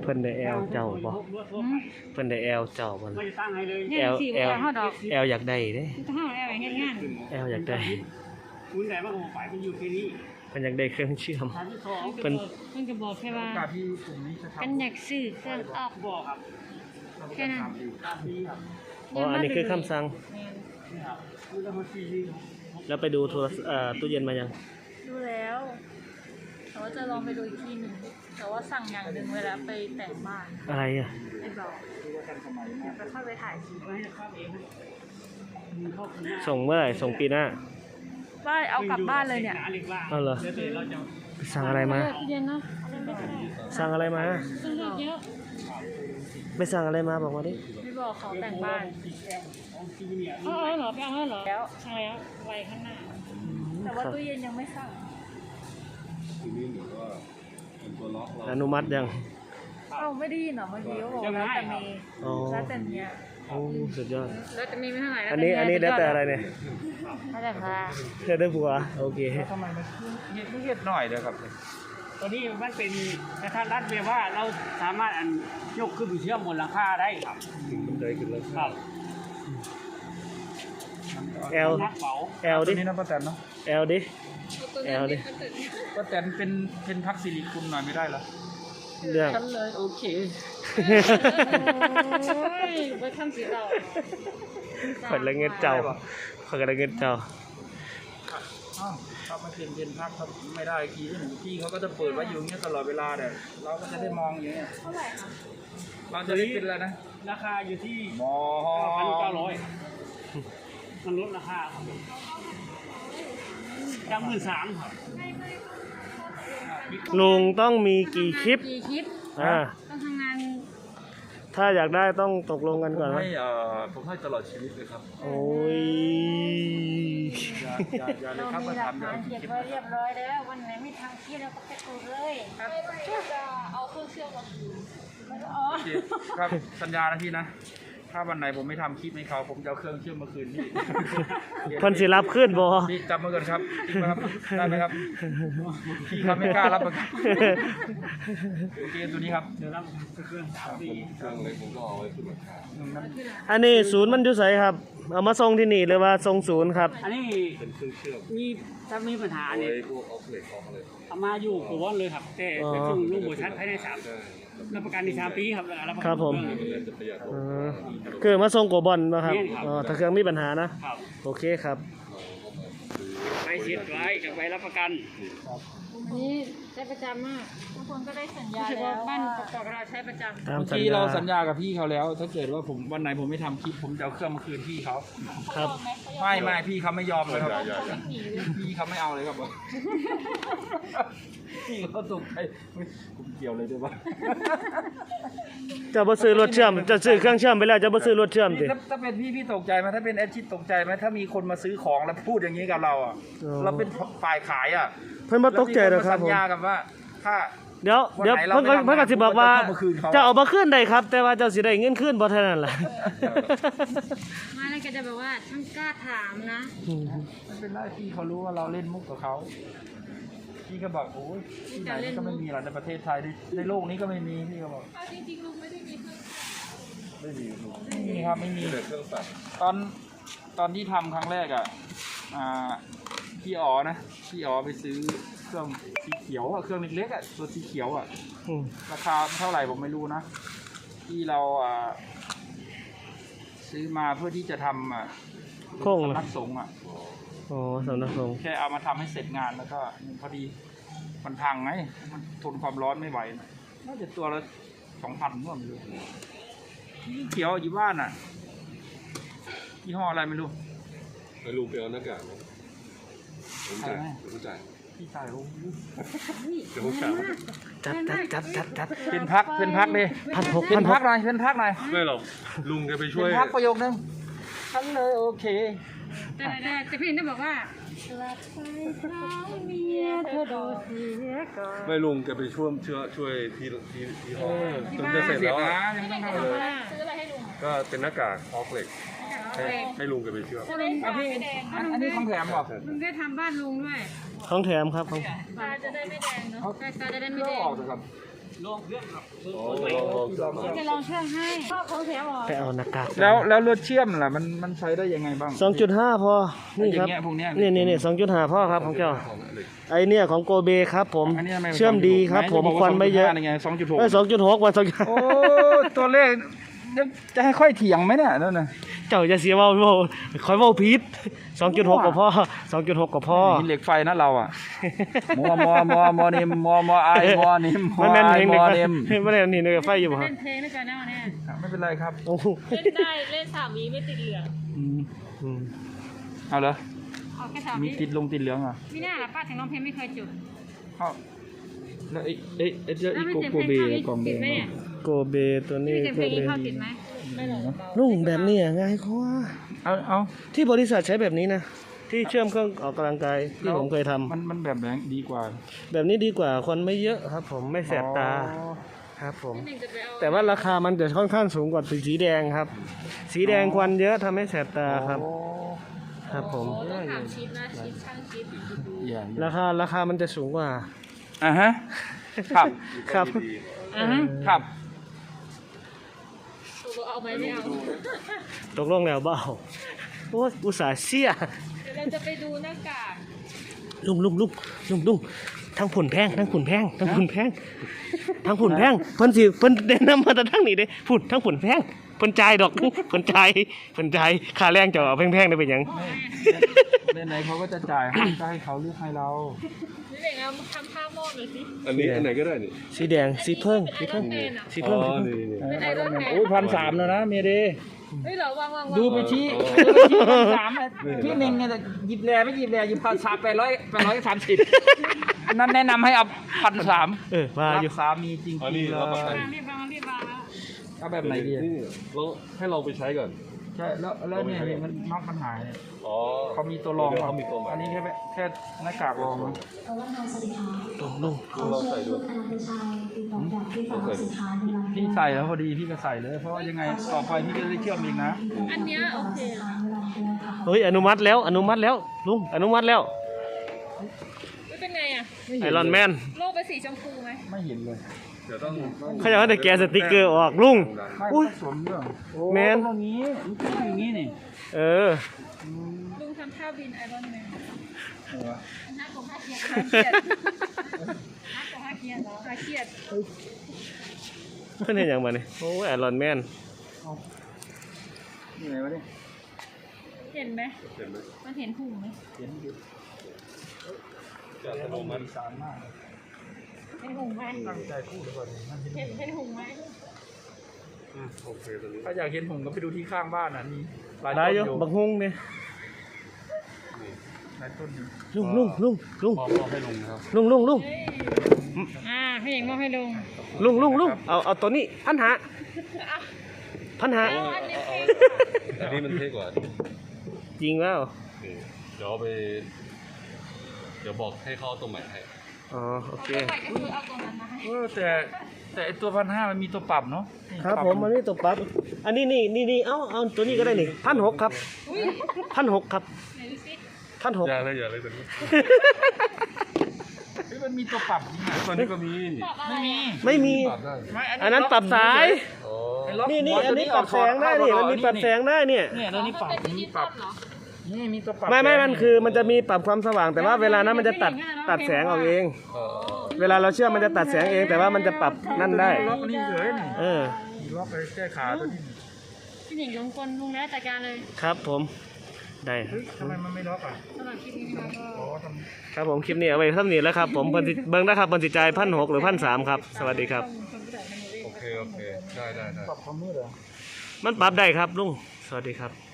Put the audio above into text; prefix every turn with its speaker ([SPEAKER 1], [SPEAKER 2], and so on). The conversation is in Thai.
[SPEAKER 1] เพิ่นได้แอลเจ้าบ่เพิ่นได้แอลเจ้าบ่
[SPEAKER 2] ไม่ตั้งให้เลย
[SPEAKER 1] แอลแอลอยากได้เด้
[SPEAKER 3] ถ้าเอาแล้วอย่างงาน
[SPEAKER 1] แอลอยากได้
[SPEAKER 2] คุณไหนมาของฝ่ายมันอยู่แค่นี้
[SPEAKER 1] เพิ่นอยากได้เครื่องเชื่อม
[SPEAKER 2] ทางที่สอง
[SPEAKER 1] เพิ่น
[SPEAKER 3] มันก็บอกแค่ว่า
[SPEAKER 4] การที่กลุ่มนี้จะทำ
[SPEAKER 3] กันอยากซื้อเครื่องออก
[SPEAKER 2] บอกครับ
[SPEAKER 3] แค่นั้น
[SPEAKER 2] ตามนี้ครับ
[SPEAKER 1] อ๋ออันนี้คือคำสั่ง
[SPEAKER 2] นี่ครับคุณจะมาซีรีส์
[SPEAKER 1] แล้วไปดูตู้เย็นมายัง
[SPEAKER 5] ดูแล้วแต่ว่าจะลองไปดูอีกทีหนึ่งแต่ว่าสั่งอย่างหนึ่งเวลาไปแต่งบ้าน
[SPEAKER 1] อะไรอ่ะ
[SPEAKER 5] ไอ้บอกเดี๋ยวไปค่อยไปถ่ายคลิป
[SPEAKER 2] ไว้ให้ครับเองมีข้อคุณ
[SPEAKER 1] ส่งเมื่อไหร่ส่งปีหน้า
[SPEAKER 5] ว่าเอากลับบ้านเลยเนี่ย
[SPEAKER 1] เอาเหรอ
[SPEAKER 2] เดี๋ยวเราจะ
[SPEAKER 1] ไปสั่งอะไรมา
[SPEAKER 3] เย็นเนาะ
[SPEAKER 1] สั่งอะไรมา
[SPEAKER 3] ซื้อเยอะ
[SPEAKER 1] ไปสั่งอะไรมาบอกมาดิ
[SPEAKER 5] ไม่บอกเขาแต่งบ้าน
[SPEAKER 3] เอาเหรอไปเอาเหรอแล้วใช่แล้วไวข้างหน้า
[SPEAKER 5] แต่ว่าตู้เย็นยังไม่สั่ง
[SPEAKER 1] อนุมัติยัง
[SPEAKER 5] เอ้าไม่ได้ยินเหรอเมื่อกี้เขาบอกแล้วแต่เมย์
[SPEAKER 1] อ๋อ
[SPEAKER 5] แล้วแต่เนี้ย
[SPEAKER 1] โอ้สุดยอด
[SPEAKER 3] แล้วจะมีไม่เท่าไหร่
[SPEAKER 1] อันนี้ได้แต่อะไรเนี่ย
[SPEAKER 5] แล้วแต่พา
[SPEAKER 1] ได้ผัวโอเค
[SPEAKER 4] ทำไมมันไม่เห็ดหน่อยเด้อครับ
[SPEAKER 2] ตอนนี้มันเป็นกระทัดรัดแบบว่าเราสามารถยกขึ้นไปเชื่อมบนหลังคาได้ครับ
[SPEAKER 1] ได้ขึ้นแล้ว
[SPEAKER 2] ครับ
[SPEAKER 1] แอล
[SPEAKER 2] นักเป๋า
[SPEAKER 1] แอล
[SPEAKER 4] ตั
[SPEAKER 1] ดิ
[SPEAKER 4] วนี้นะป้าแตนเนาะ
[SPEAKER 1] แอลดิแอลดิ
[SPEAKER 4] ป้าแตนเป็นพักสิริคุณหน่อยไม่ได้เหรอ
[SPEAKER 1] เรื่อง
[SPEAKER 4] ฉันเลยโอเค
[SPEAKER 3] โอ้ยไปทำสีเรา
[SPEAKER 1] ขอละเงินเจ้าขอละเงินเจ้า
[SPEAKER 4] อ้าวถ้าไม่เป็นพักถ้าไม่ได้ทีพี่เขาก็จะเปิดไว้อยู่อย่างเงี้ยตลอดเวลาแต่เราก็จะได้มองอย่างเงี้ย
[SPEAKER 5] เท่าไหร่คะ
[SPEAKER 4] เราจะได้เป็นอะไรนะ
[SPEAKER 2] ราคาอยู่ที่
[SPEAKER 4] มอ
[SPEAKER 2] 9,900มันลดราคาครับจาก13,000ครับ
[SPEAKER 1] ลุงต้องมีกี่คลิป
[SPEAKER 3] กี่คลิป
[SPEAKER 1] อ่า
[SPEAKER 3] ต้องทำงาน
[SPEAKER 1] ถ้าอยากได้ต้องตกลงกันก่อน
[SPEAKER 4] ผม
[SPEAKER 1] นะ
[SPEAKER 4] ให้ตลอดชีวิตเลยครับ
[SPEAKER 1] โอ้ย
[SPEAKER 4] อย่าเลยครับมาทำอย่า
[SPEAKER 3] เก็บไว้เรียบร้อยแล้ววันไหนไม่ทำคลิปเราก็ไปกดเลยครับ
[SPEAKER 5] จะเอาเครื่องเชื่อมมาคืน
[SPEAKER 3] อ๋อ
[SPEAKER 4] โอเคครับสัญญานะพี่นะ ถ้าวันไหนผมไม่ทำคลิปให้เขาผมจะเอาเครื่องเชื่อมมาคืนพี่
[SPEAKER 1] เพิ่นสิรับขึ้นบ่
[SPEAKER 4] พี่จำมาก่อนครับจริงไหมครับได้ไหมครับพี่เขาไม่กล้ารับประกันโอเคตัวนี้ครับ
[SPEAKER 2] เดี๋ยวรับเครื่อง3 ปี
[SPEAKER 1] อันนี้ศูนย์มันอยู่ไสครับ เอามาส่งที่นี่หรือว่าส่งศูนย์ครับ
[SPEAKER 2] อันนี้เป็นเครื่องเชื่อมมีถ้ามีปัญหาเนี่ยเอามาอยู่กับวอนเลยครับแต่ไปถึงลูกบัวชัดภายใน3รับประกันใน3 ปีครับรับประกัน
[SPEAKER 1] ครับผม
[SPEAKER 2] เอง
[SPEAKER 1] เออคือมาส่งกับบอลนะครับ
[SPEAKER 2] แม่นครับ
[SPEAKER 1] อ๋อถ้าเครื่องมีปัญหานะ
[SPEAKER 2] ครับ
[SPEAKER 1] โอเคครับ
[SPEAKER 2] ไปเช็ดไว้กับใบรับประกัน
[SPEAKER 3] อันนี้ใช้ประจำมาก
[SPEAKER 5] ทุกคนก็ได้สัญญา
[SPEAKER 3] รู้สึก
[SPEAKER 5] แล้
[SPEAKER 3] ว่าว บ้านประกอบเราใช้ประจำ
[SPEAKER 1] ตาม
[SPEAKER 4] เมื่อ
[SPEAKER 1] สัญ
[SPEAKER 4] กี้
[SPEAKER 1] ญา
[SPEAKER 4] เราสัญญากับพี่เขาแล้ว ถ้าเกิดว่าผมวันไหนผมไม่ทำคลิปผมจะเอาเครื่องมาคืนพี่เขา
[SPEAKER 1] ครับ
[SPEAKER 4] ไม่พี่เขาไม่ยอมเลยครับพี่เขาไม่เอาเลยครับพี่เขาตกใจผมเกี่ยวเลยด้วยวะ
[SPEAKER 1] จะบ่ซื้อรถเชื่อมจะซื้อเครื่องเชื่อมไปแล้วจะบ่ซื้อรถเชื่อมติ
[SPEAKER 4] ถ้าเป็นพี่ตกใจไหมถ้าเป็นแอดชิดตกใจไหมถ้ามีคนมาซื้อของแล้วพูดอย่างนี้กับเราอ่ะ
[SPEAKER 1] อ๋อ
[SPEAKER 4] เราเป็นฝ่ายขายอ่ะ
[SPEAKER 1] เพิ่นบ่ตกใจหรอกครับ
[SPEAKER 4] แล้วมีนมาสัญ
[SPEAKER 1] ผม
[SPEAKER 4] ญากับว่าถ้า
[SPEAKER 1] เดี๋ยว
[SPEAKER 4] วันไหนเรา
[SPEAKER 1] เพิ่นก็
[SPEAKER 4] ไม่ทำงาน
[SPEAKER 1] เพิ่นก็สิบอกว่า
[SPEAKER 4] ผมก็จะเข้ามาคืนเขา
[SPEAKER 1] จะเอามาคืนได้ครับ แต่ว่าเจ้าสิได้เงินคืนบ่เท่านั้นล่ะ
[SPEAKER 3] มาแล้วก็จะแบบว่าช่างกล้าถามนะ
[SPEAKER 4] มันเป็นไรพี่เขารู้ว่าเราเล่นมุกกับเขาพี่ก็บอกโอ้ยที่ไหนก็ไม่มีหรอกในประเทศไทยในโลกนี้ก็ไม่มีพี่ก็บอก
[SPEAKER 5] จริงๆลุงไม่ได้มีเครื่อง
[SPEAKER 4] ไม่มีครับไม่มีตอนที่ทำครั้งแรกอ่ะพี่อ๋อนะพี่อ๋อไปซื้อเครื่องสีเขียวอ่ะเครื่องเล็กๆอ่ะตัวสีเขียวอ่ะ
[SPEAKER 1] อืม
[SPEAKER 4] ราคาเท่าไหร่ผมไม่รู้นะที่เราซื้อมาเพื่อที่จะทำ
[SPEAKER 1] โค้ง
[SPEAKER 4] สำนักสงฆ์อ่ะ
[SPEAKER 1] อ๋อสำนักสงฆ์
[SPEAKER 4] แค่เอามาทำให้เสร็จงานแล้วก็พอดีมันพังไงมันทนความร้อนไม่ไหวน่าจะตัวละ2,000ว่าไม่รู้ที่เขียวอยู่บ้านอ่ะยี่ห้ออะไรไม่รู้
[SPEAKER 6] ไปลุงไปเอาหน้ากากมาผมจ่ายผมจ่าย
[SPEAKER 4] พี่ชายโอ้โห
[SPEAKER 6] เดี๋ยวผมจ่าย
[SPEAKER 1] จัด
[SPEAKER 4] เป็นพักเลย
[SPEAKER 1] 1,600
[SPEAKER 4] เป็นพักหน่อยเป็นพักหน่อย
[SPEAKER 6] ไม่หรอกลุงแกไปช่วย
[SPEAKER 4] เป็นพักประโยคนึงฉันเลยโอเค
[SPEAKER 3] แต่พี่ต้องบอกว่าหลับไปเท้าเมียเธอดูเสียก่อน
[SPEAKER 6] ไม่ลุงแกไปช่วยที่ห้องจนจะเสร็จแล้ว
[SPEAKER 4] นะ
[SPEAKER 6] อะ
[SPEAKER 4] ยังไม่ต้องทำเลย
[SPEAKER 5] ซื้ออะไรให้ลุง
[SPEAKER 6] ก็เป็นหน้ากากออกเหล็กให้ลุงแกไปเชื่อม
[SPEAKER 3] ถ้าลุง
[SPEAKER 4] พี่อันนี้ของแถมบอก
[SPEAKER 3] ลุงได้ทำบ้านลุงด้วย
[SPEAKER 1] ของแถมครับของ
[SPEAKER 5] ตาจะได้ไม่แดงเนาะ
[SPEAKER 4] เขา
[SPEAKER 3] ตาจะได้ไม่
[SPEAKER 4] เลื
[SPEAKER 3] แด
[SPEAKER 4] อก
[SPEAKER 3] ง
[SPEAKER 4] ออกเถอะครับ
[SPEAKER 2] ลองเพื่อนครับ
[SPEAKER 3] เราจะลองเชื่อมให้ชอบของเสียหรอ
[SPEAKER 1] ไปเอาหน้ากาก
[SPEAKER 4] แล้วรถเชื่อมล่ะมันใช้ได้ยังไงบ้าง
[SPEAKER 1] 2.5 พอ นี่ครับ
[SPEAKER 4] อย่างเงี้ยพวกเนี้ย
[SPEAKER 1] นี่2.5 พ่อครับของเจ้า
[SPEAKER 6] ของเหล็ก
[SPEAKER 1] ไอเนี่ยของโกเบครับผม
[SPEAKER 4] อันนี้ทำไ
[SPEAKER 1] เชื่อมดีครับผมควันไม่เยอะ
[SPEAKER 4] ไง2.6
[SPEAKER 1] 2.6 วัน
[SPEAKER 4] โอ้ตัวเลขจะให้ค่อยเถียงไหมเนี่ยนั่นน่ะ
[SPEAKER 1] 2เจ้าจะเสียเว้าคอยเว้าผิด 2.6 กับพ่อ 2.6 กับพ่อ
[SPEAKER 4] หินเหล็กไฟนะเราอ่ะมอนิมมอไอมอนิมมอ
[SPEAKER 1] มันแม่น
[SPEAKER 4] ไอ
[SPEAKER 1] เอง
[SPEAKER 4] ม
[SPEAKER 1] เด็ก
[SPEAKER 4] อ
[SPEAKER 1] ไฟ
[SPEAKER 4] นิม
[SPEAKER 1] มันแม่นนี่เด็กไฟอยู่บ่ครั
[SPEAKER 3] เล่
[SPEAKER 1] บ
[SPEAKER 3] นเพลงด้วยกันนะวันนี้
[SPEAKER 4] ไม่เป็นไรครับ
[SPEAKER 1] โอ้โห
[SPEAKER 5] เล่นได้เล่น3 วิไม่ติดเหลือง
[SPEAKER 1] อืม
[SPEAKER 4] เอาเหรอ
[SPEAKER 3] เอาแค่สาม
[SPEAKER 4] มี
[SPEAKER 3] นี้
[SPEAKER 4] ติดเหลืองอ่ะ
[SPEAKER 3] ไม่น่าหรอป้าถึงร้องเพลงไม่เคยจุด
[SPEAKER 4] เข้าแล้วไอ้เจ้า
[SPEAKER 3] แล้ว
[SPEAKER 4] อี
[SPEAKER 3] ไม่
[SPEAKER 4] โก
[SPEAKER 3] เสียง
[SPEAKER 4] โก
[SPEAKER 3] เพลง
[SPEAKER 4] เบกล่อง
[SPEAKER 3] เข้า
[SPEAKER 4] เบ
[SPEAKER 3] ติดไหมเนี่ย
[SPEAKER 1] โกเบตัว
[SPEAKER 3] ไม่
[SPEAKER 1] นี้
[SPEAKER 3] เสียง
[SPEAKER 1] โก
[SPEAKER 3] เพลง
[SPEAKER 1] เบ
[SPEAKER 3] เข้าติดไหมไม่หรอก
[SPEAKER 1] ลุงแบบนี้ง่ายกว่า
[SPEAKER 4] เอา
[SPEAKER 1] ที่บริษัทใช้แบบนี้นะ ที่เชื่อมเครื่องออกกำลังกายที่ผมเคยทำ
[SPEAKER 4] มันแบบไหนดีกว่า
[SPEAKER 1] แบบนี้ดีกว่าควันไม่เยอะครับ ผมไม่แสบตา
[SPEAKER 4] อ๋อ
[SPEAKER 1] ครับผม
[SPEAKER 5] หนึ่งจะไปเอา
[SPEAKER 1] แต่ว่าราคามันจะค่อนข้างสูงกว่าสีแดงครับ สีแดงควันเยอะทำให้แสบตาครับ ครับผม
[SPEAKER 5] โอ้ต้องถามชิดนะชิดช่างชิด
[SPEAKER 4] อย่าง
[SPEAKER 1] ราคามันจะสูงกว่า
[SPEAKER 4] อ่ะฮะครับ
[SPEAKER 1] ครับ
[SPEAKER 4] ครับ
[SPEAKER 5] ตัวเอาไหมไม่เอา
[SPEAKER 1] ตกลงแล้วเบาโอ้ยอุตส่าห์เสีย
[SPEAKER 5] เดี๋ยวเราจะไปดูหน้ากาก
[SPEAKER 1] ลุงทั้งผุนแพงทั้งผุนแพงทั้งผุนแพงทั้งผุนแพงเพิ่นแนะนำมาแต่ทั้งนี้เด้ผุนทั้งผุนแพงเพิ่นจ่ายดอกเพิ่นจ่ายค่าแรงเจ้าเอาแพงๆได้เป็นหยัง
[SPEAKER 4] ไหนๆเขาก็จะจ่ายให้ก็ให้เขาเลือกให้เรา
[SPEAKER 5] นี่เด็กเอาทำผ้าหม้อหน่อยสิ
[SPEAKER 6] อันนี้อันไหนก็ได้นี่
[SPEAKER 1] สีแดงสีเพิ่ง
[SPEAKER 5] ไอรอนแมนอ่ะ
[SPEAKER 1] สี
[SPEAKER 6] อ๋
[SPEAKER 1] เพิ่ง
[SPEAKER 6] อนี่
[SPEAKER 5] เป็นไอรอนแมน
[SPEAKER 4] โอ้ย1,300แล้วนะเมเด
[SPEAKER 5] เฮ้ยเหรอวาง
[SPEAKER 4] ดูไปชี้1,300นะพี่หนึ่งเนี่ยหยิบแร่ไม่หยิบแร่หยิบ830นั่นแนะนำให้เอา1,300
[SPEAKER 1] ว่า
[SPEAKER 4] รั
[SPEAKER 1] อยู่
[SPEAKER 4] กสามีจริง
[SPEAKER 6] อันนี้
[SPEAKER 4] ๆเล
[SPEAKER 6] รับประกัน
[SPEAKER 3] รีบวางแล้ว
[SPEAKER 4] เอาแบบไหนดี
[SPEAKER 6] นี่เราให้ลองไปใช้ก่อน
[SPEAKER 4] ใช่แล้วเนี่ยมันน็อกมันหายเนี่ย
[SPEAKER 6] อ๋อ
[SPEAKER 4] เขามีตัวรอง
[SPEAKER 6] เดี๋ยวเขามีตัวใหม่
[SPEAKER 4] อันนี้แค่หน้ากากรองนะ
[SPEAKER 1] ลุง
[SPEAKER 6] เราใส่ดู
[SPEAKER 4] พี่ใส่แล้วพอดีพี่ก็ใส่เลย เพราะว่ายังไงต่อไปพี่ก็ได้เชื่อมอีกนะ
[SPEAKER 5] อันเนี้ยโอเค
[SPEAKER 1] เฮ้ยอนุมัติแล้วลุงอนุมัติแล้ว
[SPEAKER 5] ไม่เป็นไงอ่ะ
[SPEAKER 1] ไอรอนแมน
[SPEAKER 5] โลกเป็นสีชมพูไหม
[SPEAKER 4] ไม่เห็นเลย
[SPEAKER 6] เดี๋ยวต้อง
[SPEAKER 1] เขาจะให้แต่แกะสติกเกอร์ออกลุง
[SPEAKER 4] ไม่
[SPEAKER 1] อุ๊ย
[SPEAKER 4] ผสมเรื่องโอ้
[SPEAKER 1] แมน
[SPEAKER 4] ตรงนี้มันเป็นอย่างนี้นี่
[SPEAKER 1] เออ
[SPEAKER 5] ลุงทำท่าบินไอรอนแมน
[SPEAKER 3] นักของข้าเกียร
[SPEAKER 5] ท่าเกียด
[SPEAKER 3] นักของข้าเกียรเหรอ
[SPEAKER 5] ท่าเกียด
[SPEAKER 1] เพิ่นเห็นอย่างมาเนี่ยโอ้ยไอรอนแมน
[SPEAKER 4] นี่ไงวะเนี่ย
[SPEAKER 5] เห็นไหม
[SPEAKER 6] เห็นไหม
[SPEAKER 5] มันเห็นหุ่มไหม
[SPEAKER 4] เขียนอยู่
[SPEAKER 6] จะอัตโนมัติ
[SPEAKER 4] สารมาก
[SPEAKER 3] เป็นหงไหม
[SPEAKER 4] ตั้งใจพูดเลยก่อนมันเห็น
[SPEAKER 5] เห็นหุ่มไหม
[SPEAKER 6] โอเคตอนนี้
[SPEAKER 4] ถ้าอยากเห็นผมก็ไปดูที่ข้างบ้านน่ะมีหลาย
[SPEAKER 1] ได้
[SPEAKER 4] ต้น
[SPEAKER 1] อ
[SPEAKER 4] อยู่ ยู่
[SPEAKER 1] บักฮุงเนี่ย
[SPEAKER 4] หลายต้นอยู่
[SPEAKER 1] ลุง
[SPEAKER 6] มอบให้ลุงนะครับ
[SPEAKER 1] ลุง
[SPEAKER 3] พี่หญิงมอบให้ลุง
[SPEAKER 1] เอาตัวนี้พันหา
[SPEAKER 5] อันนี้เพลง
[SPEAKER 6] อันนี้มันเท่กว่า
[SPEAKER 1] จริงแล้ว
[SPEAKER 6] นี่เดี๋ยวเอาไป เดี๋ยวบอกให้เขาเอาตัวใหม่ให้
[SPEAKER 1] อ๋อโอเค
[SPEAKER 5] ไปก็คือเอาตัวนั้นมาให้
[SPEAKER 4] แต่ไอตัว1,500มันมีตัวปรับเนาะนี่
[SPEAKER 1] ครับ
[SPEAKER 4] ป
[SPEAKER 1] ผมมันนี่ตัวปั๊บอันนี้นี่เอาตัวนี้ก็ได้นี่1,600ครับ1,600ครับ
[SPEAKER 5] ไหนดูสิ
[SPEAKER 1] 1,600
[SPEAKER 6] อย่าเลยตอนนี้
[SPEAKER 4] เฮ้ยมันมีตัวปรับจริงอะ
[SPEAKER 6] ตอนนี้ก็มี
[SPEAKER 5] ตอบอะไรอ่ะ
[SPEAKER 1] ไม่มี
[SPEAKER 6] ปรับได้
[SPEAKER 4] ไม่
[SPEAKER 1] อันนั้นปรับสาย
[SPEAKER 6] อ๋อ
[SPEAKER 4] ไอ้ล็อก
[SPEAKER 1] นี่
[SPEAKER 4] หัว
[SPEAKER 1] อันนี้ปรับแสงได้นี่มันมีปรับแสงได้เนี่ย
[SPEAKER 4] เนี่ยแล้วนี่ปรับ
[SPEAKER 5] เป็นดิ
[SPEAKER 4] มี
[SPEAKER 5] จิ
[SPEAKER 4] ป
[SPEAKER 5] ต
[SPEAKER 4] รั
[SPEAKER 5] อบ ลเหรอ
[SPEAKER 4] นี่มีตัวปรับ
[SPEAKER 1] ไม่
[SPEAKER 4] แสง
[SPEAKER 1] มันคือมันจะมีปรับความสว่างแต่ว่าเวลานั้นมันจะตัดแสงออกเอง
[SPEAKER 6] เออ
[SPEAKER 1] เวลาเราเชื่อมมันจะตัดแสงเองแต่ว่ามันจะปรับนั่นได้
[SPEAKER 4] ล็อกนี่เลยนี่
[SPEAKER 1] เออ
[SPEAKER 4] ล็อกไปแก้ขาตัวนี้
[SPEAKER 3] พี่หญิงลงกลลุงแล้วจัดการเลย
[SPEAKER 1] ครับผมได้
[SPEAKER 4] เฮ้ยทำไมมันไม่ล็อกอ่ะ
[SPEAKER 3] สำหรับคลิปนี้นะคะก็
[SPEAKER 4] อ๋อทำ
[SPEAKER 1] ครับผมคลิปนี้เอาไว้เท่านี้แล้วครับผมเบิ่งนะครับบนสิใจาย1,600หรือ1,300ครับสวัสดีครับ
[SPEAKER 6] โอเคได้
[SPEAKER 4] ปรับความมืดเหรอ
[SPEAKER 1] มันปรับได้ครับลุงสวัสดีครับ